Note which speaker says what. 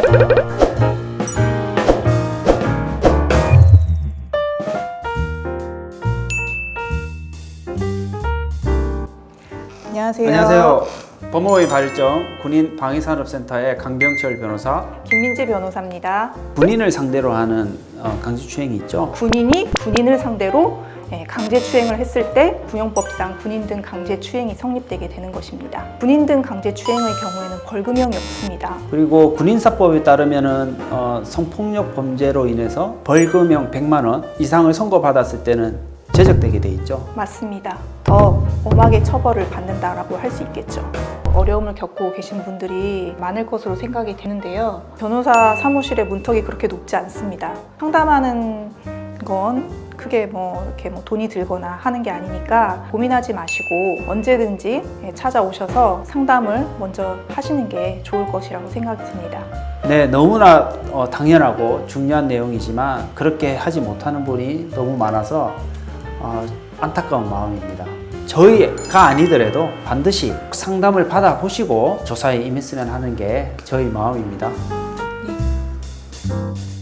Speaker 1: 안녕하세요.
Speaker 2: 안녕하세요. 법무의 발전 군인방위산업센터의 강병철 변호사.
Speaker 1: 김민지 변호사입니다.
Speaker 2: 군인을 상대로 하는 강제추행이 있죠.
Speaker 1: 군인이 군인을 상대로 강제추행을 했을 때 군용법상 군인 등 강제추행이 성립되게 되는 것입니다. 군인 등 강제추행의 경우에는 벌금형이 없습니다.
Speaker 2: 그리고 군인사법에 따르면은 성폭력 범죄로 인해서 벌금형 100만 원 이상을 선고받았을 때는 제적되게 돼 있죠.
Speaker 1: 맞습니다. 더 엄하게 처벌을 받는다라고 할 수 있겠죠. 어려움을 겪고 계신 분들이 많을 것으로 생각이 되는데요. 변호사 사무실의 문턱이 그렇게 높지 않습니다. 상담하는 건 크게 이렇게 돈이 들거나 하는 게 아니니까 고민하지 마시고 언제든지 찾아오셔서 상담을 먼저 하시는 게 좋을 것이라고 생각이 듭니다.
Speaker 2: 네, 너무나 당연하고 중요한 내용이지만 그렇게 하지 못하는 분이 너무 많아서 안타까운 마음입니다. 저희가 아니더라도 반드시 상담을 받아보시고 조사에 임했으면 하는 게 저희 마음입니다.
Speaker 1: 네.